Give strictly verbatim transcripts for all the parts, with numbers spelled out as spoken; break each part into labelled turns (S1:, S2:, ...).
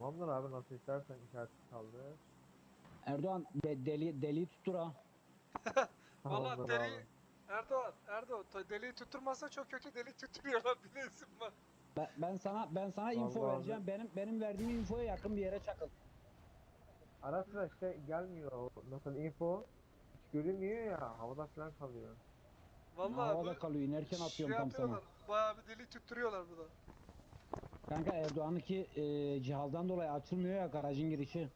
S1: Tamamdır abi, nasıl istersen işaret kaldı.
S2: Erdoğan de, deli deliyi tuttur ha.
S3: Vallahi
S1: Tamamdır
S3: deli
S1: abi.
S3: Erdoğan, Erdoğan ta- deliği tutturmazsa çok kötü delik tutturuyorlar bilesin bak.
S2: Ben, ben sana ben sana info
S1: Vallahi abi.
S2: vereceğim. Benim benim verdiğim infoya yakın bir yere çakıl.
S1: Ara sıra işte gelmiyor o nasıl info. Hiç görünmüyor ya. Havada falan kalıyor.
S3: Vallahi bu
S2: Havada kalıyor. İnerken
S3: şey
S2: atıyorum tam sana.
S3: yapıyorlar. Bayağı bir delik tutturuyorlar burada.
S2: Kanka Erdoğan'ınki e, cihazdan dolayı açılmıyor ya garajın girişi.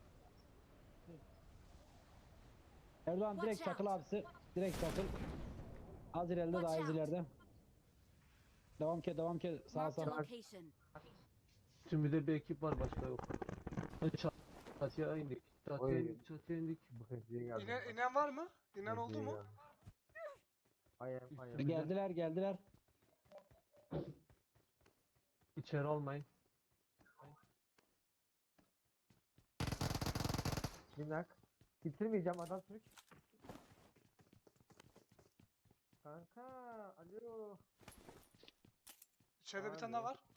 S2: Erdoğan
S4: Watch
S2: direkt çakıl
S4: out!
S2: abisi. Direkt çakıl. Az ileride
S4: Watch
S2: daha az
S4: out!
S2: ileride. Devam ke devam ke sağa
S4: Marked a
S2: sağa.
S4: location.
S5: Şimdi de bir ekip var, başka yok. Hadi çat- Çatıya indik. Çatıya
S1: Oy.
S5: indik. Çatıya indik.
S1: Bu hediye geldi.
S3: İne,
S1: bak.
S3: inen var mı? İnen oldu
S1: Hediye
S3: mu?
S1: geldi. Hayır hayır.
S5: Üstümüze.
S2: Geldiler geldiler.
S5: İçeri almayın.
S1: Minnak. Bitirmeyeceğim, adam Türk. Kanka alo.
S3: İçeride bir
S1: Abi.
S3: tane daha var.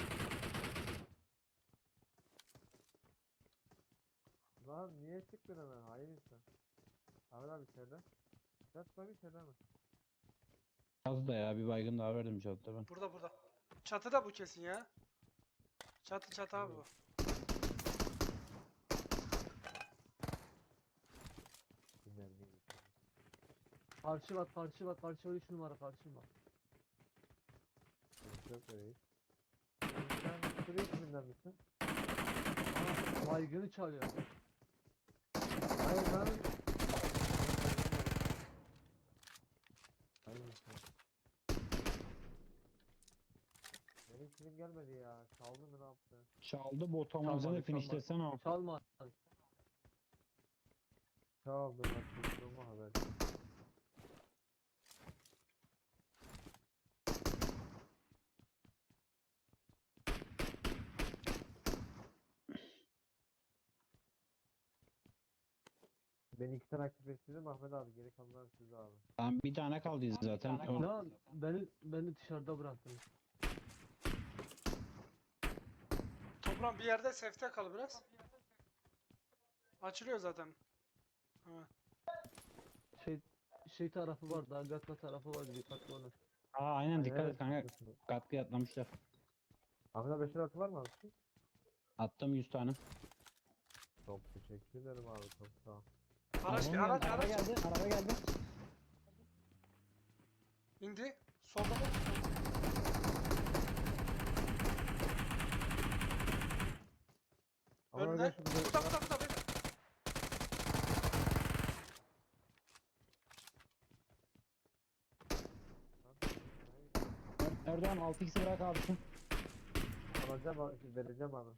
S1: Lan niye çıktın hemen? Hayır insan. Abi abi içeride. Yat bak içeride mi?
S2: Az da ya bir baygın daha verdim çatıda ben.
S3: Burada burada. Çatıda bu kesin ya. Çatı çatı abi bu.
S1: Bilmem neymiş.
S5: Karşı var, karşı var, karşı var. Üç numara karşı var.
S1: Yok öyle. Sen sürü isminden misin?
S5: Aa, baygını çalıyor.
S1: Hayır lan. Hayır insan. Benim kilim gelmedi ya. Çaldı mı ne yaptı?
S2: Çaldı bot amacını
S5: Çalmadı,
S2: finishlesene o.
S5: Çalma.
S1: Çaldı bak. Tuttuğumu haber. Ben iki tane aktif ettirdim Ahmet abi. Geri kalanlar size abi.
S2: Tamam bir tane kaldı zaten. O-
S5: Lan beni, beni dışarıda bıraktın.
S3: Toprağın bir yerde safe'te kal biraz. Açılıyor zaten. Hemen.
S5: Şey şey tarafı var, daha gatla tarafı var, dikkatli olun.
S2: Aa aynen dikkat et kanka.
S1: Evet.
S2: Katkı atlamışlar.
S1: Ahmet abi beşer atı var mı abi?
S2: Attım yüz tane.
S1: Çok teşekkür ederim abi. Çok sağ ol.
S3: Araç
S2: Araba
S3: araç
S2: geldi, araba
S3: araç.
S2: geldi, araba geldi.
S3: İndi. Solda mı?
S1: Ama
S3: Önüne.
S1: öyle şimdi-
S3: Burada burada burada beyler.
S2: Er- Erdoğan altı x'i bırak abisin.
S1: Alacağım abi, vereceğim abi.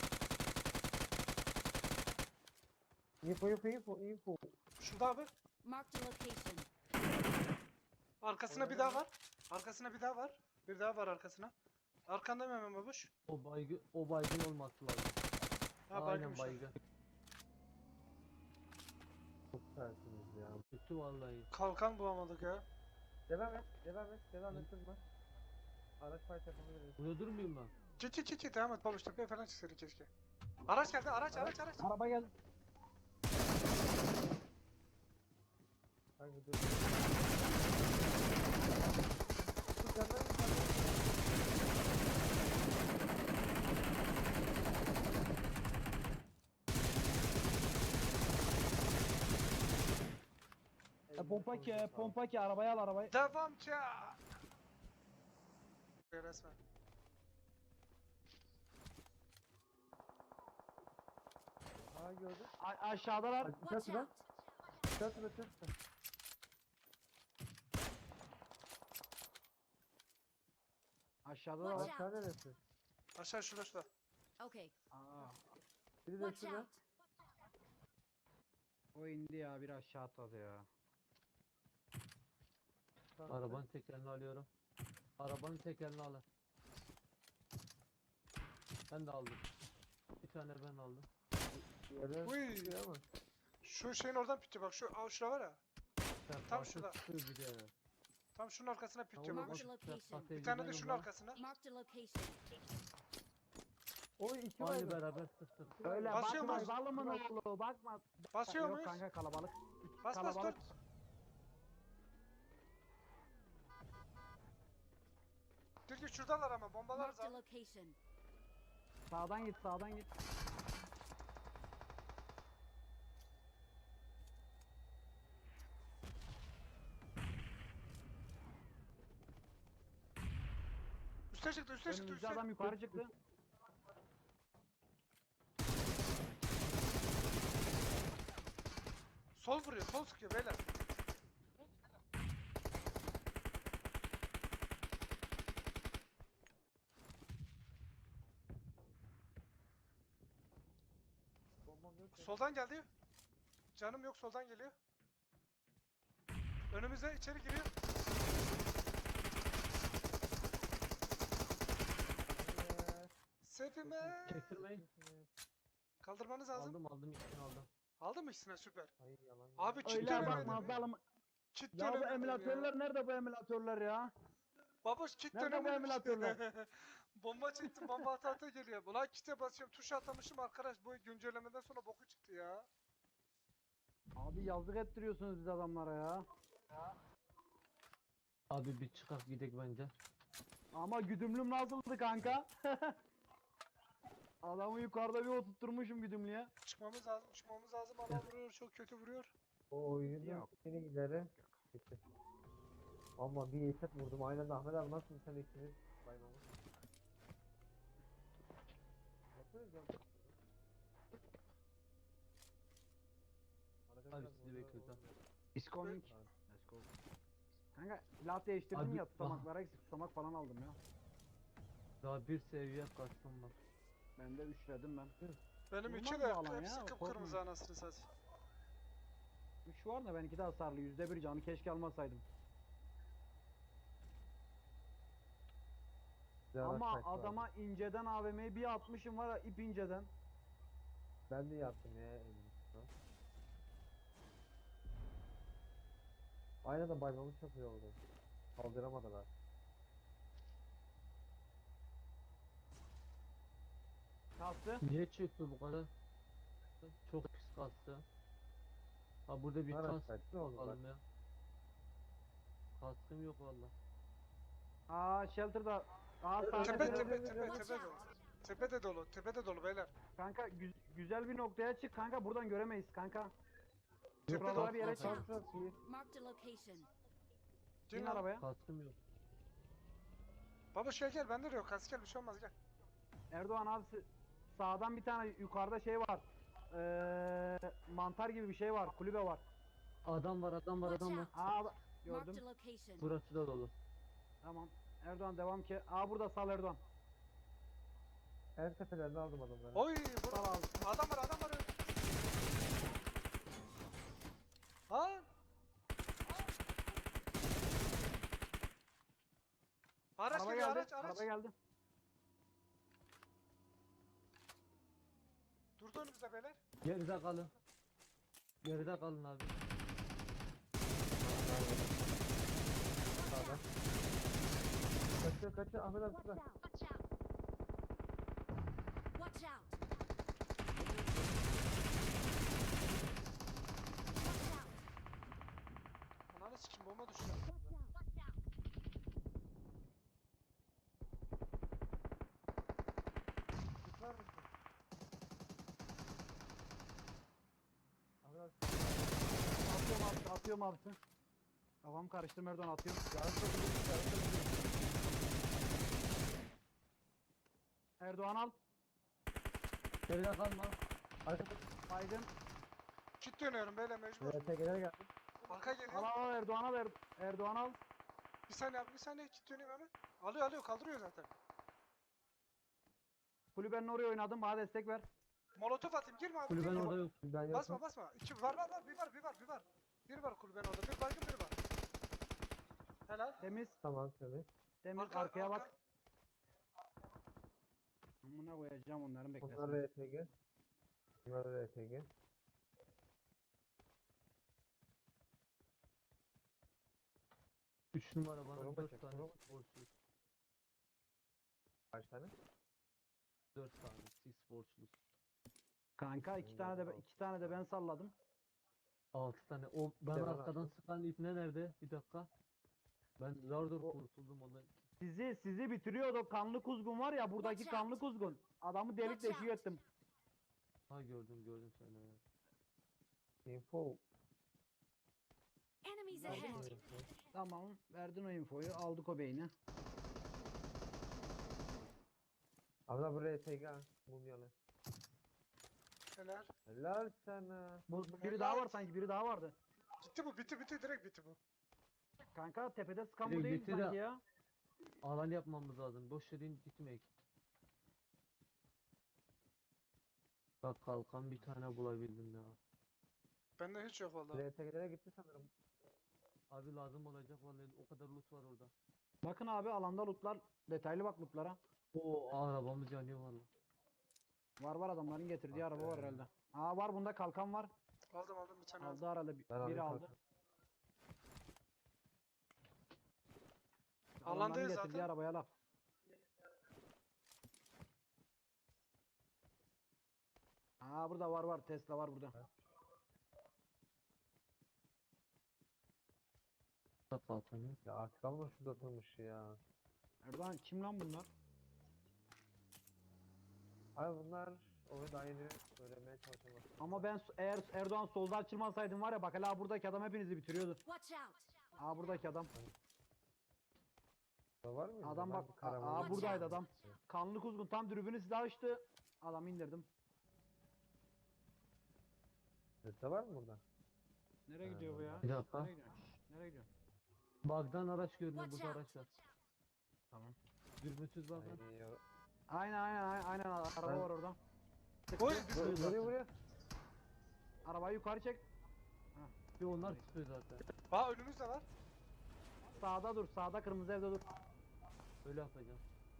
S1: Info info info info.
S3: Şurada abi.
S4: Marked a location.
S3: Arkasına bir daha var. Arkasına bir daha var. Bir daha var arkasına. Arkanda mı hemen babuş?
S5: O baygı, o baygın olması lazım.
S3: Ha
S5: Aynen
S3: baygınmış.
S5: baygın.
S1: Çok tersiniz ya.
S5: Bitti vallahi.
S3: Kalkan bulamadık ya.
S1: Devam et, devam et, devam et kızma. Araç fight yapabiliriz.
S5: Burada durmayayım ben.
S3: Çit çit çit çit devam et babuş tepeye falan çıksaydın keşke. Araç geldi araç araç araç.
S2: Araba geldi.
S1: Hangi dur? Dur, canlar mı, canlar mı?
S2: E, pompa ki, pompa ki arabayı al arabayı.
S3: Devam ki. Resmen.
S1: Aa gördün.
S2: A- aşağıdalar.
S1: Dikkat
S4: Watch
S1: et lan.
S4: out!
S1: Dikkat et, dikkat et.
S2: Aşağıdalar.
S4: Watch
S1: Aşağı neresi?
S3: Aşağı şurada şurada.
S4: Okay,
S2: Aa,
S1: Biri de
S4: watch
S1: şurada.
S4: out!
S2: o indi ya bir aşağı atladı ya.
S1: Tamam.
S5: Arabanın tekerini alıyorum. Arabanın tekerini alın. Ben de aldım. Bir tane ben aldım.
S1: Yere
S3: Uy.
S1: tutuyor ama.
S3: Şu şeyin oradan pitiyor bak şu aa, şura var ya.
S5: Sen
S3: Tam
S5: karşı
S3: şurada.
S5: tutuyor bir de.
S3: Tam şunun arkasına pitiyor
S5: Tamam,
S3: babuş.
S4: Marked a location.
S3: Bir tane de şunun arkasına.
S4: Marked a location.
S1: O iki
S5: Aynı
S1: baygın.
S5: beraber sıktık.
S2: Öyle
S3: Basıyor
S2: bakma
S3: muyuz?
S2: zalımın oğlu bakma.
S3: Basıyor
S2: Yok
S3: muyuz?
S2: kanka kalabalık.
S3: Bas bas dur.
S2: Kalabalık.
S3: Dur dur şuradalar ama bombalarız
S4: Marked a
S3: abi.
S4: location.
S2: Sağdan git sağdan git.
S3: Üste çıktı üste çıktı
S2: Önümüzde
S3: üste.
S2: adam yukarı çıktı.
S3: Sol vuruyor sol sıkıyor beyler.
S1: Bombam yok ya.
S3: Soldan geldi. Canım yok soldan geliyor. Önümüze içeri giriyor.
S1: Ee,
S3: Sefime.
S5: Çektirmeyin.
S3: Kaldırmanız lazım.
S5: Aldım aldım ikisini aldım.
S3: Aldın mı ikisine süper.
S1: Hayır yalan. ya.
S3: Abi kit
S2: Öyle
S3: dönemedim.
S2: bakma zalım.
S3: Kit
S2: Ya bu
S3: dönemedim
S2: emülatörler
S3: ya.
S2: nerede bu emülatörler ya?
S3: Baboş kit
S2: Nerede bu
S3: dönemedim.
S2: emülatörler?
S3: Bomba çektim bomba ata ata geliyor. Ulan kite basıyorum tuşa atamışım arkadaş bu güncellemeden sonra boku çıktı ya.
S2: Abi yazık ettiriyorsunuz biz adamlara ya.
S5: Abi bir çıkak gidek bence.
S2: Ama güdümlüm nasıldı kanka? Adamı yukarıda bir oturtturmuşum güdümlüye.
S3: Çıkmamız lazım çıkmamız lazım ama vuruyor çok kötü vuruyor.
S1: O oyunun
S2: Yok.
S1: seni ileri. Bitti. Ama bir eset vurdum. Aynen de Ahmet abi nasıl sen ikiniz baymamı? Bakıyoruz ya. Arada
S5: Abi
S1: biraz
S5: sizi
S1: vurdular,
S5: bekliyoruz ha.
S1: olmuyor.
S2: Disconnect.
S1: Abi,
S2: Let's go. Kanka silah değiştirdim
S5: Abi,
S2: ya tutamaklara eksik tutamak falan aldım ya.
S5: Daha bir seviye kastım var.
S2: Ben de üçledim ben.
S3: Benim
S2: Vurmaz
S3: üçü
S2: bu
S3: de
S2: alan
S3: hepsi
S2: ya,
S3: kıpkırmızı
S2: korkma.
S3: anasını satayım.
S2: Üç var da benimki de hasarlı yüzde bir canı keşke almasaydım.
S1: güzel
S2: Ama
S1: araç var.
S2: adama inceden A V M'yi bir atmışım var ya ip inceden.
S1: Ben de yaptım ya elimi. Aynen de baymamız çok iyi oldu. Kaldıramadılar.
S2: Kastı.
S5: Niye çöktü bu kadar? Çok pis kastı. Ha burada bir
S1: Araç
S5: kas
S1: var, ne oldu
S5: bakalım ya. Kaskım yok valla.
S2: Aa shelter'da. Aa
S1: Evet,
S2: sahne
S3: Tepe
S1: evet,
S3: tepe
S1: evet,
S3: tepe
S1: evet.
S3: tepe dolu. Tepe de dolu tepe de dolu beyler.
S2: Kanka gü- güzel bir noktaya çık kanka buradan göremeyiz kanka.
S3: Tepe
S2: Buralara
S3: dolu.
S2: bir yere
S1: Çok
S2: çık.
S1: çok iyi.
S4: Marked a location.
S2: İn
S3: Gel lan.
S2: arabaya.
S5: Kaskım yok.
S3: Baba şey gel bende de yok kas gel bir şey olmaz gel.
S2: Erdoğan abi s- sağdan bir tane yukarıda şey var. Ee, mantar gibi bir şey var. Kulübe var.
S5: Adam var adam var
S4: Watch
S5: adam var.
S4: out.
S2: Aa
S4: Marked
S2: gördüm.
S4: a location.
S5: Burası da dolu.
S2: Tamam. Erdoğan devam ki. Aa burada sal Erdoğan.
S1: En tepelerine aldım adamları.
S3: Oy
S2: Sal
S3: burada
S2: abi.
S3: adam var adam var. Ha? Araç
S2: Araba
S3: geliyor
S2: geldi.
S3: araç araç.
S2: Araba geldi.
S3: Durdu önümüzde beyler.
S5: Geride kalın. Geride kalın abi.
S1: Sağda. Kaçıyor kaçıyor Ahmet abi şurada.
S4: Watch out. Watch out. Watch out.
S3: Ananı sikim bomba düştü.
S1: Tutar mısın? Ahmet abi.
S2: Atıyorum abi. Atıyorum abi. Kafam karıştı Erdoğan atıyorum.
S1: Yarın çok iyi. Yarın çok iyi.
S2: Erdoğan al.
S5: Geride kalma.
S1: Arkada.
S2: Baygın.
S3: Kit dönüyorum beyler mecbur.
S1: R T G'ler geldi.
S3: Arka
S2: Al
S3: geliyor.
S2: al Erdoğan al. Er- Erdoğan al.
S3: Bir saniye abi bir saniye kit döneyim hemen. Alıyor alıyor kaldırıyor zaten.
S2: Kulübenin oraya oynadım. Bana destek ver.
S3: Molotof atayım girme abi
S5: Kulüben
S3: girme.
S5: orada yok.
S1: Ben yokum.
S3: Basma basma. İki var var var bir var bir var bir var. Bir var kulübenin orada. Bir baygın biri var. Helal.
S2: Temiz.
S1: Tamam tabii.
S2: Temiz.
S3: Arka,
S2: Arkaya
S3: arka.
S2: bak. Amına koyacağım onların beklesin.
S1: Bunlar R T G. Bunlar R T G.
S5: Üç numara bana
S1: Koruma
S5: dört
S1: çek,
S5: tane
S1: koruma.
S5: borçlu.
S1: Kaç tane?
S5: dört tane. Siz borçlusun.
S2: Kanka iki
S1: Benim
S2: tane de
S1: de
S2: ben- iki tane de ben salladım.
S5: altı tane. O ben
S1: de ben
S5: arkadan
S1: attım.
S5: sıkan ipne nerede? Bir dakika. Ben zar zor
S1: O-
S5: kurtuldum ondan.
S2: Sizi sizi bitiriyordu o kanlı kuzgun var ya buradaki
S4: Watch out.
S2: kanlı kuzgun. Adamı delik
S4: Watch
S2: deşik
S4: out.
S2: ettim.
S5: Ha gördüm gördüm seni. evet.
S1: Info.
S4: Enemies
S1: Nerede
S4: ahead.
S1: info?
S2: Tamam verdin o infoyu aldık o beyni.
S1: Abla buraya T G mumyalı.
S3: Helal.
S1: Helal sana.
S2: Bu, bu biri
S3: Helal.
S2: daha var sanki biri daha vardı.
S3: Gitti bu bitti bitti direkt bitti bu.
S2: Kanka tepede sıkan bu
S5: Direkt
S2: değil
S5: bitti de-
S2: sanki ya.
S5: Alan yapmamız lazım. Boş yerin gitmeyek. Bak kalkan bir tane bulabildim ya.
S3: Bende hiç yok valla.
S1: Buraya T G'lere gitti sanırım.
S5: Abi lazım olacak vallahi o kadar loot var orada.
S2: Bakın abi alanda lootlar detaylı bak lootlara.
S5: O arabamız yanıyor valla.
S2: Var var adamların getirdiği araba var
S1: Aferin.
S2: herhalde. Aa var bunda kalkan var.
S3: Aldım aldım bir tane aldım.
S2: Aldı herhalde bir-
S1: Ben alayım
S2: biri aldı.
S1: kalkan.
S2: Adamların
S3: Alandayız
S2: getirdiği
S3: zaten.
S2: arabaya laf. Aa burada var var Tesla var burada.
S5: Bak kalkanı.
S1: Ya artık alma şurada oturmuş ya.
S2: Erdoğan kim lan bunlar?
S1: Abi bunlar onu daha yeni öğrenmeye çalışıyorlar.
S2: Ama ben s- eğer Erdoğan solda açılmasaydım var ya bak hala buradaki adam hepinizi bitiriyordu.
S4: Watch out.
S2: Aa buradaki adam.
S1: Da var mı?
S2: Adam bak aa, aa, buradaydı adam. Kanlı kuzgun tam dürbünü size açtı. Adamı indirdim.
S1: Sette var mı burada?
S2: Nereye
S1: Ha,
S2: gidiyor bu ya?
S5: Bir dakika.
S2: Nereye gidiyor? Şşş, nereye gidiyor?
S5: Bug'dan araç görünüyor.
S4: Watch
S5: Burada
S4: out.
S5: araç var.
S2: Tamam.
S5: Dürbünsüz bak. lan.
S1: Ay, yo-
S2: Aynen aynen aynen, aynen araba
S1: Ben-
S2: var orada.
S3: Oy!
S1: Vur- Vuruyor vuruyor.
S2: Arabayı yukarı çek.
S5: Bir onlar tutuyor zaten.
S3: Aa önümüzde var.
S2: Sağda dur. Sağda kırmızı evde dur.
S5: Öyle yapacağım.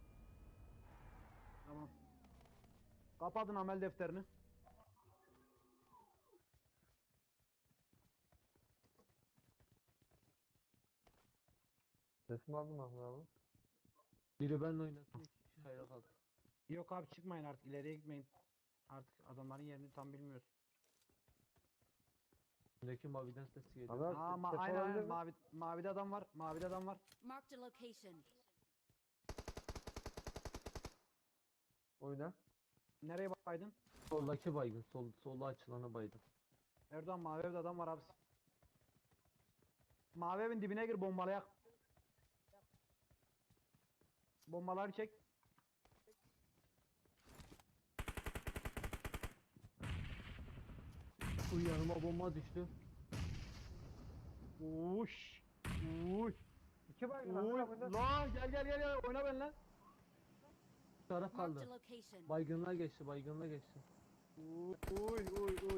S2: Tamam. Kapatın amel defterini.
S1: Sesimi aldın mı Ahmet abi?
S5: Biri benimle oynasın. iki kişi hayra kaldı.
S2: Yok abi çıkmayın artık ileriye gitmeyin. Artık adamların yerini tam bilmiyoruz.
S5: Üstündeki maviden ses geliyor.
S1: Abi
S2: Aa ma
S1: ses
S2: aynen
S1: olabilir
S2: aynen
S1: mi?
S2: mavi, mavide adam var. Mavide adam var.
S4: Marked a location.
S1: Oyna.
S2: Nereye baydın?
S5: Soldaki baygın. Sol, solda açılana baygın.
S2: Erdoğan mavi evde adam var abi. Mavi evin dibine gir bombalayak. Bombaları çek.
S5: Uy yanıma bomba düştü.
S2: Uş. Uş.
S1: İki baygın
S2: Uy.
S1: Ahmet abi.
S2: La gel gel gel gel oyna benimle.
S5: Bir taraf
S4: Marked a
S5: kaldı.
S4: location.
S5: Baygınlığa geçti. Baygınlığa geçti.
S2: Uy uy uy uy.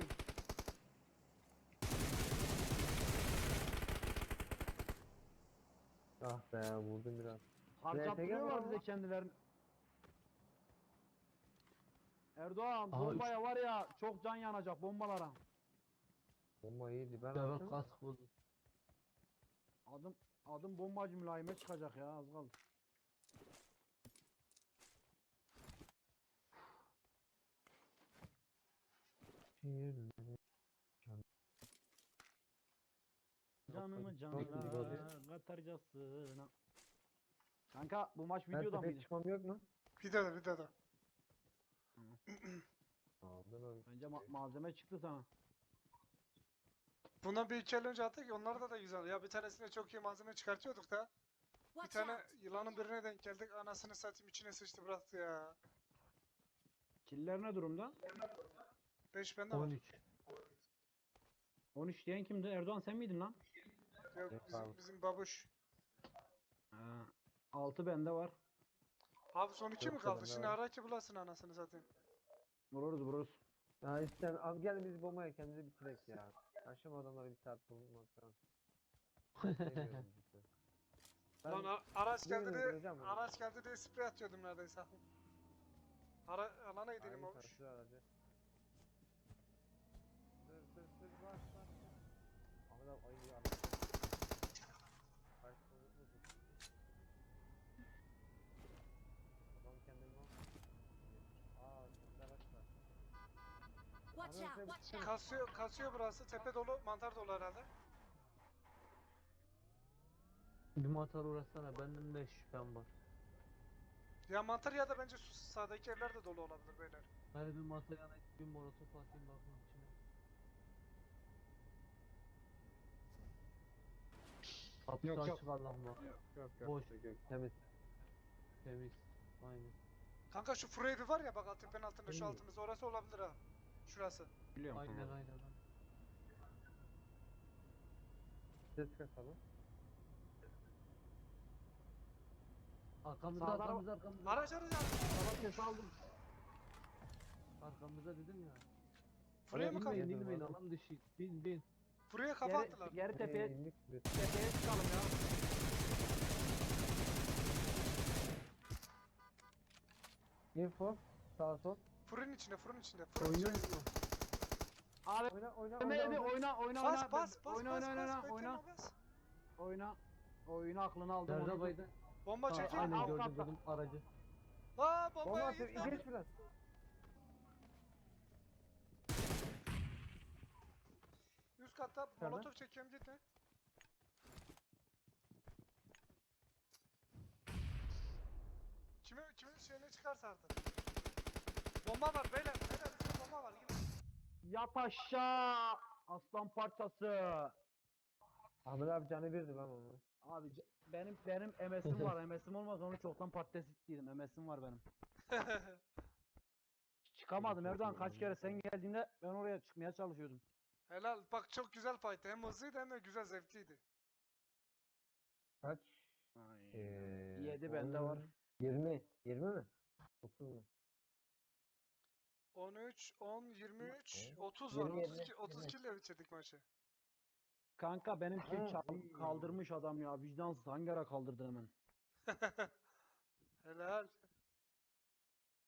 S1: Ah be vurdum biraz.
S2: Harcattırıyorlar
S1: gel
S2: bize
S1: baba.
S2: kendilerini. Erdoğan
S5: Aha,
S2: bombaya var ya çok can yanacak bombalara.
S1: Bomba iyiydi ben
S5: Ben
S1: attım.
S5: kask buldum.
S2: Adım adım bombacı mülayime çıkacak ya az kaldı. Canımı
S1: Çok
S2: canına
S1: güzel.
S2: katarcasına. Kanka bu maç
S1: Ben
S2: videoda
S1: tepeye
S2: mıydı?
S1: çıkmam yok mu?
S3: Bir daha da bir daha da.
S1: Aldım abi.
S2: Bence ma- malzeme çıktı sana.
S3: Bundan bir iki el önce attık ya onlarda da güzel. Ya bir tanesine çok iyi malzeme çıkartıyorduk da. Bir
S4: Watch
S3: tane
S4: out.
S3: yılanın birine denk geldik. Anasını satayım içine sıçtı bıraktı ya.
S2: Killer ne durumda?
S3: beş bende var.
S5: on üç.
S2: on üç diyen kimdi? Erdoğan sen miydin lan?
S3: Yok
S1: Yok
S3: bizim,
S1: abi.
S3: bizim babuş.
S2: Ha. altı bende var.
S3: Abi son iki mi
S1: Yok,
S3: kaldı?
S1: bende
S3: Şimdi
S1: var.
S3: ara ki bulasın anasını satayım.
S2: Vururuz vururuz.
S1: Ya işte abi gel biz bombaya kendimizi bitirek ya. Akşam adamları bir saat bulmaktan. Sevmiyorum işte. Ben
S3: Lan a- araç geldi
S1: birini
S3: diye,
S1: öldüreceğim bunu.
S3: araç geldi diye sprey atıyordum neredeyse. Ara, alana gidelim
S1: Aynı
S3: olmuş.
S1: karşı aracı. Sır sır sır bas bas. Ahmet abi ayı ya. Kaç sonuç mu bu? Adam kendini al. tane bitirsene.
S3: Kasıyor, kasıyor burası. Tepe dolu, mantar dolu herhalde.
S5: Bir mantar uğraşsana. Benden de şüphem var.
S3: Ya mantar ya da bence şu sağdaki evler de dolu olabilir beyler.
S5: Hani bir mantar yana bir molotof atayım bakayım içine. Kapısı
S2: Yok, yok.
S5: açık Allah'ım bak.
S2: Yok
S5: Boş.
S1: Temiz.
S5: Temiz. Aynen.
S3: Kanka şu furu evi var ya bak alt tepenin altında şu
S1: Hmm.
S3: altımızda orası olabilir ha. Şurası.
S2: Biliyorum.
S5: Aynen aynen. aynen.
S1: Ses kasalım.
S5: Arkamızda
S2: Sağdan-
S5: arkamızda arkamızda.
S3: Araç araç araç.
S2: Baba ses aldım.
S5: Arkamızda dedim ya.
S3: Furuya mı kafa?
S5: İnmeyin
S1: Yedim
S5: inmeyin
S1: abi.
S5: alan dışı. Bin bin.
S3: Furuya kafa
S2: Geri,
S3: attılar.
S2: geri tepeye,
S1: Ee, indik biz.
S2: tepeye çıkalım ya.
S1: Info. Sağ sol.
S3: Fırın içinde, fırın içinde. Fırın
S5: Oynuyor
S3: içinde.
S5: mu?
S2: Abi
S1: Oyna oyna
S2: Ömer
S1: oyna.
S2: Evi
S1: oyna.
S2: oyna oyna
S3: Bas
S2: oyna.
S3: bas bas
S2: oyna
S3: bas
S2: oyna oyna
S3: bas.
S2: oyna.
S3: Bekleme bas.
S2: Oyna. Oyunu aklını aldım.
S5: Nerede
S2: onu.
S5: baydı?
S3: Bomba
S5: Ha,
S3: çekeyim.
S5: aynen
S2: Alt
S5: gördüm
S2: katta.
S5: gördüm aracı.
S3: La
S1: Bomba
S3: bombaya
S1: atıyor.
S3: git lan.
S1: Geç biraz.
S3: Üst katta
S1: Nerede?
S3: molotof çekiyorum gitme. Kimi kimin şeyine çıkarsa artık. Bomba var beyler. Beyler üstte bomba var. Gidin.
S2: Yat aşağı. Aslan parçası.
S1: Ahmet abi canı birdi lan onu.
S2: Abi c- benim benim M S'im var. M S'im olmaz onu çoktan patates ittiydim. M S'im var benim. Çıkamadım Erdoğan, kaç kere sen geldiğinde ben oraya çıkmaya çalışıyordum.
S3: Helal. Bak çok güzel fight'tı. Hem hızlıydı hem de güzel zevkliydi.
S1: Kaç?
S2: Ay.
S1: Ee,
S2: Yedi bende var.
S1: yirmi. yirmi mi? otuz mu?
S3: on üç, on, yirmi üç,
S1: Evet.
S3: otuz var.
S1: yirmi,
S3: otuz,
S1: yirmi,
S3: ki- otuz
S1: yirmi.
S3: kill ile bitirdik maçı.
S2: Kanka benimki
S1: Ha,
S2: çal-
S1: iyi.
S2: kaldırmış adam ya, vicdansız, hangi ara kaldırdı hemen.
S3: Helal.